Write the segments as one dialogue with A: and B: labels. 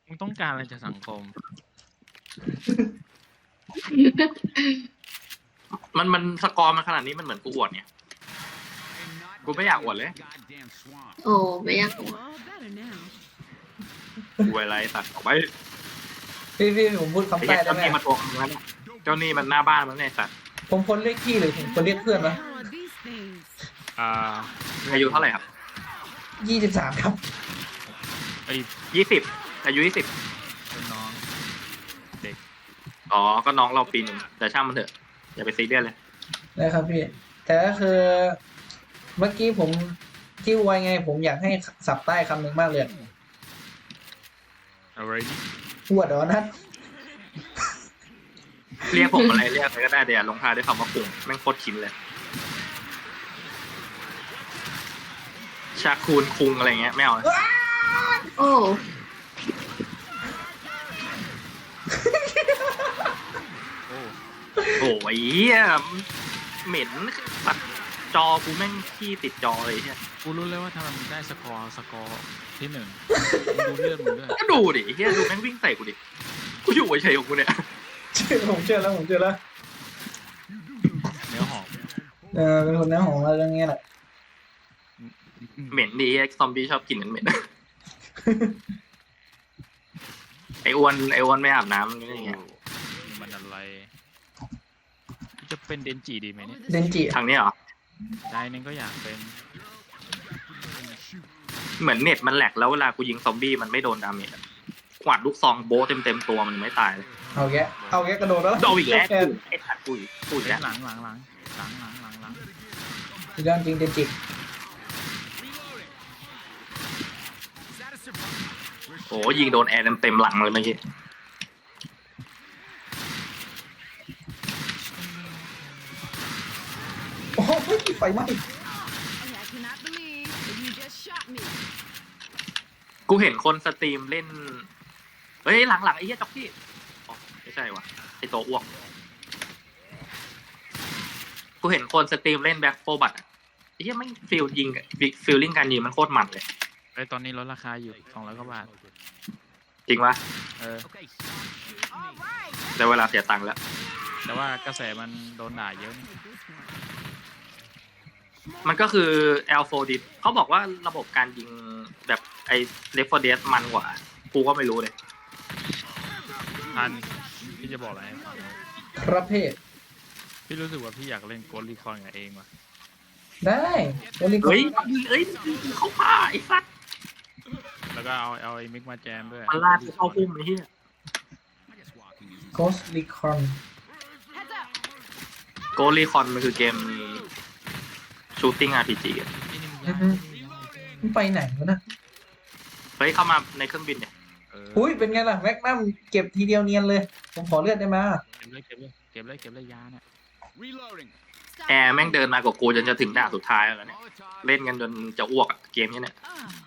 A: มึงต้องการอะไรจากสังคม
B: มันสกอร์มันขนาดนี้มันเหมือนกูอวดเนี่ยกูไม่อยากอวดเลย
C: โอ้ไม่อยาก
D: All better now.
B: กูอะไรตัดออกไป
E: พี่ผมพูด
B: ไอ้
E: คำใต้
B: เหี้ย
E: ได้
B: เจ้า
E: ไหม
B: นี่มาทวงมึงแล้วเนี่ยเจ้านี่มันหน้าบ้านมันเนี่ยสัตว์
E: ผมคนเรียกพี่หรือผมคนเรียกเพื่อน
D: What
E: วะ
D: the hell are these things?
B: อายุเท่าไหร่ครับ
E: 23 ครับ
A: ไอ้
B: 20อายุ20
A: เป็นน้องเด็ก
B: อ๋อก็น้องเราปีหนึ่งแต่ช่างมันเถอะอย่าไปซีเรียสเลย
E: นะครับพี่ แต่ก็คือ เมื่อกี้ผมที่ไวไง ผมอยากให้สับใต้คำหนึ่งมากเลย
A: อะไรนี่
E: ปวดเหรอนัด
B: เรียกผมอะไรเรียกอะไรก็ได้เดี๋ยวลงท้ายด้วยคำว่าคุงแม่งโคตรชินเลยชาคูนคุงอะไรเงี้ยไม่เอาเลย
C: โอ้
A: โอ้
B: โอ้ยเหี้ยเหม็นปัดจอกูแม่งขี้ติดจอเลยเหี้ย
A: กูรู้เลยว่าทำไมมึงได้สกอร์ที่หนึ่งมึงดูเลือดมึงด้วย
B: ก็ดูดิเหี้ยดูแม่งวิ่งใส่กูดิกูอยู่เฉยๆของกูเนี่ย
E: ผมเชื่อแล้วผมเชื่อแล้ว
A: เนื้อหอม
E: เป็นคนเนื้อหอมแล้วเรื่องนี้แหละ
B: เหม็นดีไอ้ซอมบี้ชอบกินเหม็นไอ้อ้วนไม่อาบน้ำนี่ไง
A: มันอะไรจะเป็นเดนจิดีไหมเนี่ย
E: เดนจิ
B: ทางนี้เหรอ
A: ใจนึงก็อยากเป็น
B: เหมือนเน็ตมันแหลกแล้วเวลากูยิงซอมบี้มันไม่โดนดาเมจอะกวาดลูกซองโบะเต็มตัวมันไม่ตายเลย
E: เอาแกกระโดดแล้ว
B: โดนอีกแล้วไอ้สัตว์กูอีกแล้ว
A: หลัง
E: สุดยอดจริงเดนจิ
B: โอ้ยิงโดนแอร์เต็มหลังเลยเมื่อกี้
E: โอ้ยไฟไหม้
D: I cannot believe that you just shot me.
B: กูเห็นคนสตรีมเล่นเฮ้ยหลังไอ้เหี้ยจ็อกกี้อ๋อไม่ใช่วะไอ้ตัวอ้วกกูเห็นคนสตรีมเล่นแบ็คโฟบัตไอ้เหี้ยไม่ฟิลยิงฟิลลิ่งการยิงมันโคตรมันเลย
A: ไอ้ตอนนี้ลดราคาอยู่200 กว่าบาท
B: จริงปะ
A: เออ
D: All right.
B: แต่เวลาเสียตังค์แล้ว
A: แต่ว่ากระแสมันโดนด่าเยอะนี่
B: มันก็คือ L4D เขาบอกว่าระบบการยิงแบบไอ้ Left 4 Dead มันกว่า กูก็ไม่รู้เลย
A: อันพี่จะบอกอะไรให้ฟัง
E: ครับเพศ
A: พี่รู้สึกว่าพี่อยากเล่นโกลลีคอนกับเองว่ะ
E: ได้โอลิโก
B: เฮ้ยเขาฆ่าไอ้สัตว์
A: แล้วก็เอาไอ้มิกมาแจมด้วย
B: มันลาดเข้าพุ่มไอ้เหี้ย
E: โกสลิคอน
D: Heads up.
B: โกลีคอนมันคือเกม Shooting RPG อะ
A: นี่มัน
E: อื
A: ยาก
E: อฮึ มันไปไหนวะนะ
B: เฮ้ยเข้ามาในเครื่องบินเนี่ย
E: อุ้ยเป็นไงล่ะแม็กนัมเก็บทีเดียวเนียนเลย ผมขอเลือดได้ไหม
A: เก็บเลยยาเนี่ย
D: Stop.
B: แอร์แม่งเดินมากับกูจนจะถึงด่านสุดท้ายแล้วเนี่ย เล่นกันจนจะอ้วกอะเกมนี้เนี่ย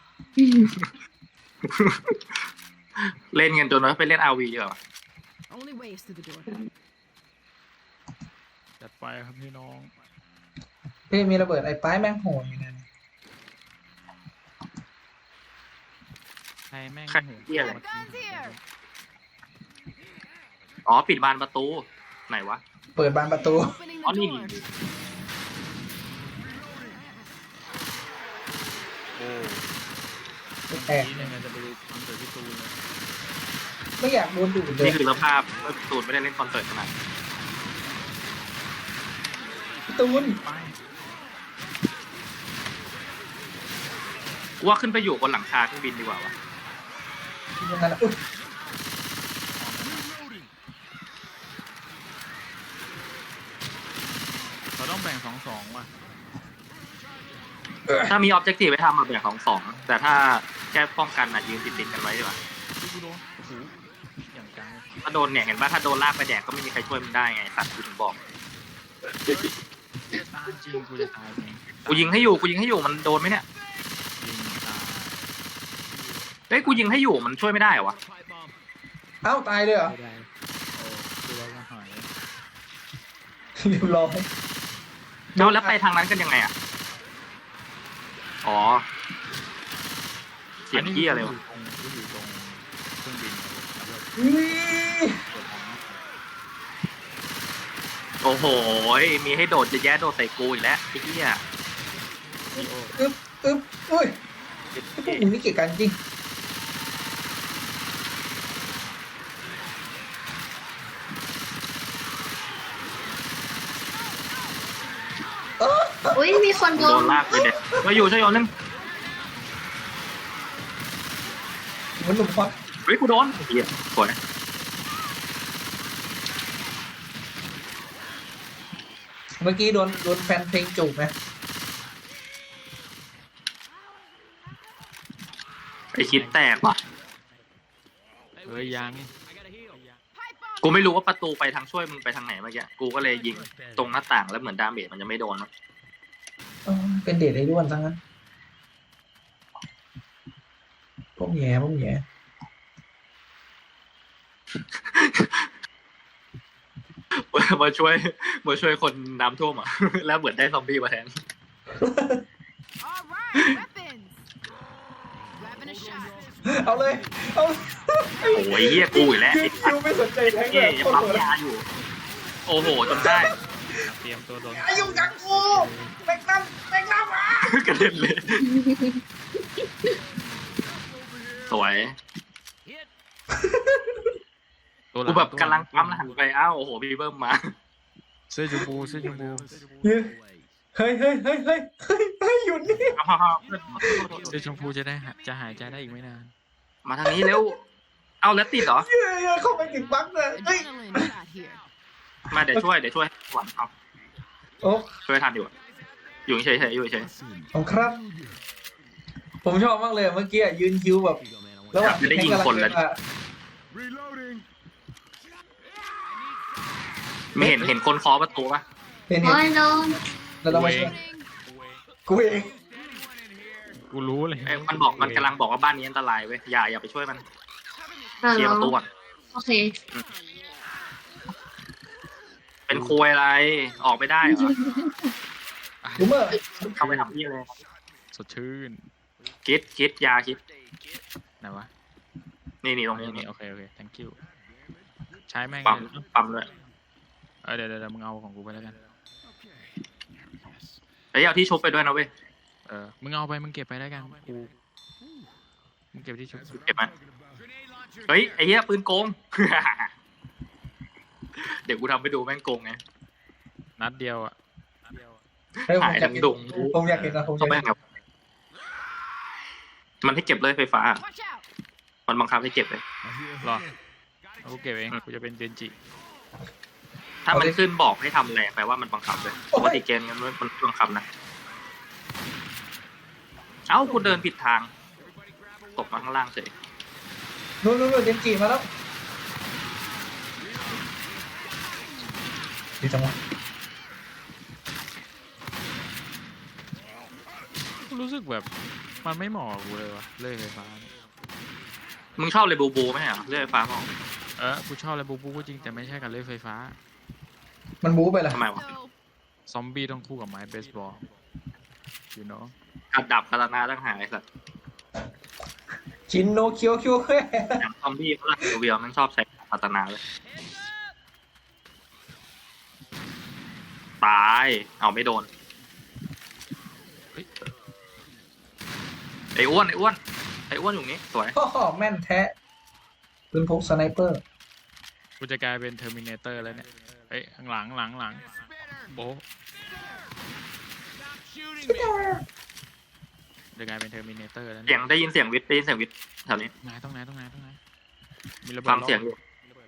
B: เล่นกันจนว่าไปเล่น RV ดีกว่า
D: Only ways through the door.
A: จัดไปครับพี่น้อง
E: พี่มีระเบิดไอ้ป้ายแม่งโหดอยู่นะ
A: ใครแม่ง
B: ใครเหี้ยอะไร
D: Guns here.
B: อ๋อปิดบานประตูไหนวะ
E: เปิดบานประตู
D: Opening
B: อ๋อ
D: the
B: นี่
D: door.
A: โอ้
E: แตก
A: นี่เนี่ยจะไปคอนเสิร์ตที่ตูนเลย
E: ไม่อยากโดนดูดเลย
B: นี่คือสภาพเมื่อตูนไม่ได้เล่นคอนเสิร์ตขนาดนั้น
E: พี่ตูน
A: ไป
B: กูว่าขึ้นไปอยู่บนหลังคาเครื่องบินดีกว่าวะ
E: ยังไงล่ะอุ๊ย
A: เราต้องแบ่ง2-2ว่ะ
B: ถ้ามีออบเจกตีฟไปทำมาแบ่งของสองแต่ถ้าแค่ป้องกันนะยืนติดกันไว้ดีกว่า
A: กูโดนโอ้โหอย่างจัง
B: ถ้าโดนเนี่ยเห็นว่าถ้าโดนลากไปแดกก็ไม่มีใครช่วยมึงได้ไงสัตว์กูถึงบอก
A: ตายจริงกูจะตายเอง
B: กูยิงให้อยู่มันโดนไหมเนี่ย
A: ยิงตาย
B: เฮ้ยกูยิงให้อยู่มันช่วยไม่ได้เหรอวะ
E: เอ้าตายเลยเหรอ
A: ไม่ได้ดูแล้วก็หาย
E: เรียบร้อย
B: แล้วไปทางนั้นกันยังไงอ่ะอ๋อเสียงเหี้ยอะไรวะ
A: กูอยู่ตรงเครื่องบินแล้วก็
E: อุ้ย
A: เปิดทาง
B: โอ้โหมีให้โดดจะแย่โดดใส่กูอีกแล้วไอ้เหี้ย
E: อึ๊บอุ้ยพวกมึงนี่เกลียดกันจริง
C: อุ้ยมีคนโด
B: โด
C: น
B: นลากเลยเนี่ยมาอยู่ช่วยโยนนึง
E: มันหนุ่มควัก
B: เฮ้ยกูโดนไอ้เหี้ยสวย
E: เมื่อกี้โดนแฟนเพลงจูบนะ
B: ไอ้คิดแตกว่ะ
A: เฮ้ยยัง
B: กูไม่รู้ว่าประตูไปทางช่วยมึงไปทางไหนเมื่อกี้กูก็เลยยิงตรงหน้าต่างแล้วเหมือนดาเมจมันจะไม่โดนมั้ง
E: เป็นเดทไอ้ด้วนทั้งนั้นพวกแย่
B: มาช่วยคนน้ำท่วมอ่ะ แล้วเหมือนได้ซอมบี้มาแทน
D: All right, weapons. Grabbing a shot.
E: เอาเลยเอา
B: โอ้ยเหี้ยกูอีกแล้ว
E: ยืนคิวไม่สนใจแทงเล
B: เหี้ย
E: ย
B: ยังปั๊มยาอยู่ โอ้โหจนได้
A: เตรียมตัวโดน
E: อายุกับกูแม็กนัมอ่ะ
B: กระเด็นเลย สวย
A: ตัวห
B: กู
A: ลัง
B: แบบกำลังปั๊มแล้วหันไปอ้าวโอ้โหบีเบิ้มมา
A: เสื้อชมพูเสื้อชมพู
E: เฮ้ยหยุดนี่
A: เสื้อชมพูจะหายใจได้อีกไม่นาน
B: มาทางนี้เร็ว เอาแล้วติดเหรอ
E: เฮ้ยเข้าไปติดบั๊กเลยเฮ้ย
D: Adrenaline shot here.
B: มาเดี๋ยวช่วยหวังเอา
E: โอ้
B: ช่วยทันอยู่อะอยู่เฉยๆอยู่เฉย
E: ผมครับ ผมชอบมากเลยเมื่อกี้ยืนคิวแบบระหว่างที่แทงกำลังเดินมา
B: ๆไม่เห็นคนเคาะประตูปะ
E: เห็น
C: โอ้ยโดน
E: เราต้องมาช่วยกูเอง
A: กูรู้เลย
B: เอ้ยมันกำลังบอกว่าบ้านนี้อันตรายเว้ยอย่าไปช่วยมัน
C: เรา
B: เคลียร์ประตูก่อน
C: โอเค
B: เป็นคุยอะไรออกไม่ได้เหรอ
E: รู้เมื่อ
B: เข้าไปทำที่เลย
A: สดชื่น
B: คิดยาคิด
A: ไหนวะ
B: นี่ตรงนี้
A: นี่โอเค thank you ใช้แม่ง
B: ปั๊มเลย
A: เดี๋ยวมึงเอาของกูไปแล้วกัน
B: เฮ้ยเอาที่ชุบไปด้วยนะเว้ย
A: มึงเอาไปมึงเก็บไปแล้วกันกูมึงเก็บที่ชุบ
B: เก็บมาเฮ้ยไอ้เหี้ยปืนโกง เดี๋ยวกูทำไปดูแม่งโกงไง
A: นัดเดียวอ่ะ
E: เฮ้ย
B: หายทั้งดง
E: ผมอยากเห็นนะผมอ
B: ก็
E: ยาก
B: ไม่
E: เห็น
B: ครับมันให้เก็บเลยไฟฟ้า
D: Watch out.
B: มันบังคับให้เก็บเลย
A: รอเอากูเก็บเองกูจะเป็นเจนจิ
B: ถ้ามันขึ้นบอกให้ทำอะไรแปลว่ามันบังคับเลยปกติเกมมันบังคับนะเอ้ากูเดินผิดทางตกมาข้างล่างเฉย
E: นู่นเจนจีมาแล้วดีจังวะ
A: กูรู้สึกแบบมันไม่เหมาะกับกูเลยวะเลื่อยไฟฟ้าเนี่ย
B: มึงชอบเลยบูไหมเหรอเลื่อยไฟฟ้ามั้ง
A: กูชอบอะไรบูก็จริงแต่ไม่ใช่กับเลื่อยไฟฟ้า
E: มันบู๊ไปละ
B: ทำไมวะ
D: So,
A: ซอมบี้ต้องคู่กับไม้เบสบอล you know
B: กัดดับคาตานาตั้งหายสัตว์
E: ชินโนเคียวแค่
B: อย่างซอมบี้ฝรั่งเวียมันชอบใช้คาตานาเลยตายเอาไม่โดนไอ้อ้วนอยู่นี้สวย
E: พ่อแม่นแท้ปืนพกสไนเปอร์
A: กูจะกลายเป็นเทอร์มินเตอร์แล้วเนี่ยเฮ้ยข้างหลังโบะจะกลายเป็นเทอร์มินเตอร์แล้ว
B: เสีย
A: เนี่ย
B: งได้ยินเสียงวิทย์แถวนี้
A: ตรงไหนมีระเบิด
B: ฟังเสียงอยู่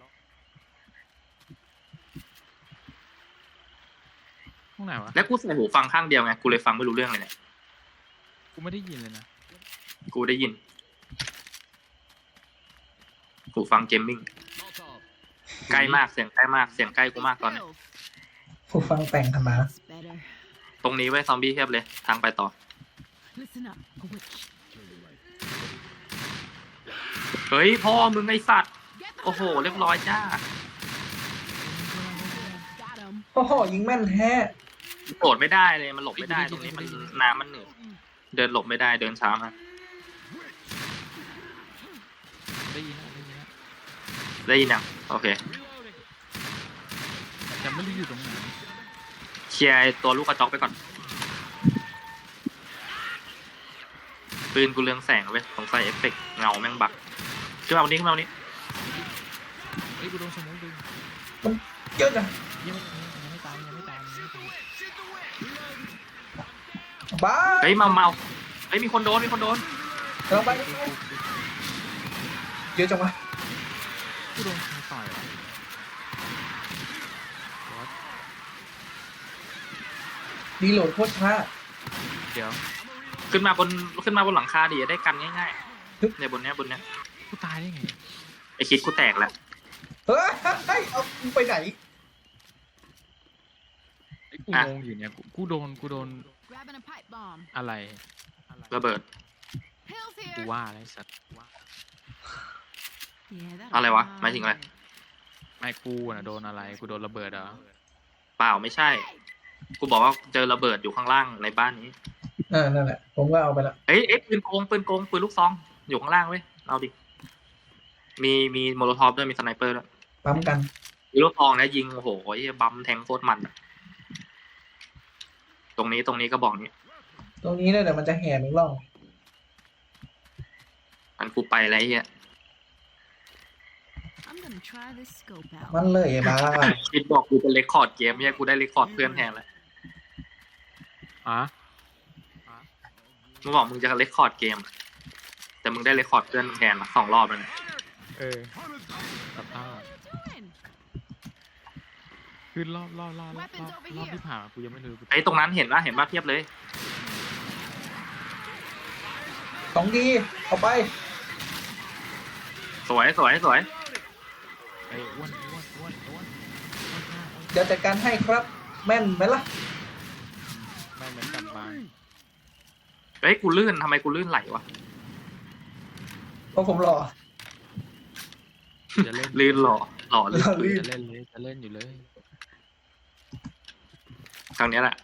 A: ตรงไหนวะ
B: แล้วกูใส่หูฟังข้างเดียวไงกูเลยฟังไม่รู้เรื่องเลยเนี่ย
A: กูไม่ได้ยินเลยนะ
B: กูได้ยินหูฟังเกมมิ่งใกล้มากเสียงใกล้มากเสียงใกล้กูมากตอนนี้
D: kills.
E: ผู้ฟังแต่งธรรมะ
D: That's better.
B: ตรงนี้ไว้ซอมบี้เทียบเลยทางไปต่อ
D: Listen up, a witch.
B: เฮ้ยพ่อมึงไอสัตว์
D: Get the
B: โอ้โหเรียบร้อยจ้า
D: Got him.
E: โอ้โหยิงแม่นแท้
B: โดดไม่ได้เลยมันหลบไม่ได้ตรงนี้มันน้ำมันเหนืดเดินหลบไม่ได้เดินช้ามาก
A: ได้ยินแล้ว
B: ได้ยินยังโอเค
A: แต่ไม่รู้อยู่ตรงไหน
B: เคลียร์ไอ้ตัวลูกกระจอกไปก่อนปืนกูเรืองแสงเว้ยสงสัยเอฟเฟกต์เงาแม่งบักขึ้นมาวันนี้ขึ้นมาวันนี้
A: เฮ้ยกูโดนสมองดึง
E: เยอะจัง
A: ยังไม่ตายยังไม่ตายยังไม่ตาย
E: บ้า
B: เฮ้ยเมาเฮ้ยมีคนโดน
E: เราไปเยอะจังวะ
A: กูโดนใครต่อยอะ
E: รีโหลดโคตรช้า
A: เดี๋ยว
B: ขึ้นมาบนหลังคาดิจะได้กันง่ายๆเนี่ยบนเนี้ย
A: กูตายได้ไง
B: ไอคิดกูแตกแล้ว
E: เฮ้ยเอากูไปไหน
A: ไอ้กูงงอยู่เนี่ยกูโดน
D: Grabbing a pipe bomb.
A: อะไร
B: ระเบิด
D: Pills
A: กู
D: here.
A: ว่าอะไรสัตว์
D: Yeah, that'll
B: อะไรวะ
D: be
B: หมายถึงอะไร
D: fine.
A: ไม่กูน่ะโดนอะไรกูโดนระเบิดเหรอ
B: เปล่าไม่ใช่ กูบอกว่าเจอระเบิดอยู่ข้างล่างในบ้านนี้
E: นั่นแหละผมก็เอาไปละ
B: เอ้ยปืนโกงปืนลูกซองอยู่ข้างล่างเว้ยเอาดิมีโมโลทอฟด้วยมีสไนเปอร์ด้วย
E: ปั๊มกัน
B: มีลูกซองนะยิงโอ้โหไอ้บัมแทงโคตรมันอะตรงนี้ก็บอกนี้
E: ตรงนี้เนี่ยเดี๋ยวมันจะแห่หนึ่งร่อง
B: มันกูไปแล้วไอ้เฮีย
D: I'm gonna try this scope out.
E: มันเลยบ้า
B: คิดบอกกูจะเรคคอร์ดเกมเนี่ยกูได้เรคคอร์ดเพื่อนแทนแล้ว
A: อ่ะ
B: มึงบอกมึงจะเรคคอร์ดเกมอะแต่มึงได้เรคคอร์ดเพื่อนแทนละ2 รอบแล้วเนี่ย
A: กับท่า
D: Fine.
A: คือรอบที่ผ่านมากูยังไม่รู้
B: ไอ้ตรงนั้นเห็นป่ะเทียบเลย
E: ของดีเอาไป
B: สวย
A: ไอ้อ้วน
E: เดี๋ยวจัดการให้ครับ แม่นไหมล่ะ
A: ไม่เหมือนกับบาง
B: เฮ้ยกูลื่นทำไมกูลื่นไหลวะ
E: เพราะผมหล่อ
A: จะเล่น
B: ลื่นหล่อลื่น
E: ลื่น
A: จะเล่นเลยจะเล่นอยู่เลย
B: ทางเนี้ยแหละ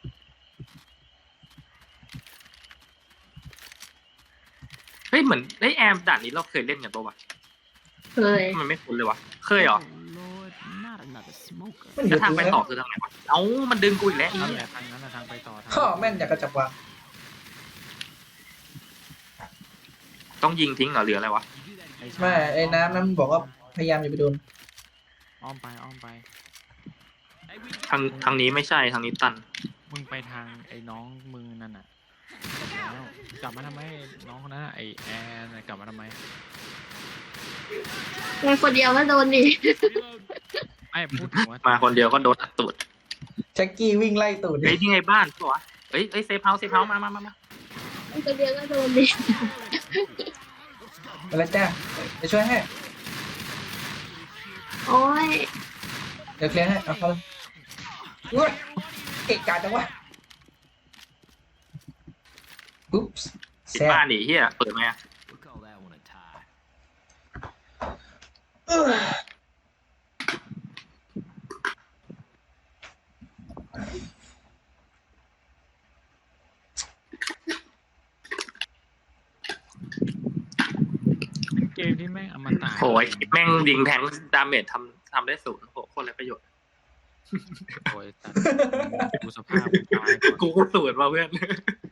B: เฮ้ยเหมือนไอ้แอมด่านนี้เราเคยเล่นกันปะวะ
C: เคย
B: มันไม่คุ้นเลยวะเคยเหรอ
D: Oh Lord, not another smoker.
E: มันอ
B: แล้ว
E: ยู่
B: ทาง
E: ตรง
B: ไป
E: นั้น
B: ต่อคือทางไหนวะเอ้ามันดึงกูอีกแล้วไอ้
A: นั่น
B: เหี้
A: แห
B: ย
A: ละทางนั้นนะทางไปต่อทาง
E: ข้อแม่นอยากกระจับวาง
B: ต้องยิงทิ้งเหรอหรืออะไรวะ
E: ไม่ไอ้น้ำนั้นบอกว่าพยายามอย่าไปโดน
A: อ้อมไป
B: ทางนี้ไม่ใช่ทางนี้ตัน
A: มึงไปทางไอ้น้องมึงนั่นน่ะแล้วกลับมาทำไมน้องคนนั้นน่ะไอ้แอนน่ะกลับมาทำไม
C: ในคนเดียวก็โดนดิ
A: ไอ้พูดถึงว่า
B: มาคนเดียวก็โดนอัดตูด
E: แจ็คกี้วิ่งไล่ตูด
B: เฮ้ยที่ไงบ้านปะวะเฮ้ยเซฟเฮาส์มา
C: ในคนเดียวก็โดนดิ
E: ไปแล้วจ้าจะช่วยให้
C: โอ้ย
E: เดี๋ยวเคลียร์ให้เอาเข้าเลยอุ๊ยเกะกะจังวะปุ๊บ
B: ปิด
E: แซ่บ
B: บ้านดิเฮียเปิดไหมอะ
E: เอ้อ
A: เกมที่แม่งอมตะ
B: โหยแม่งยิงแทงดาเมจทำได้0โหโคตรไรประโยชน์
A: โอ้ยตัดกูสภาพกูตายก่อน
B: กูก็สูตรมาเพื่อน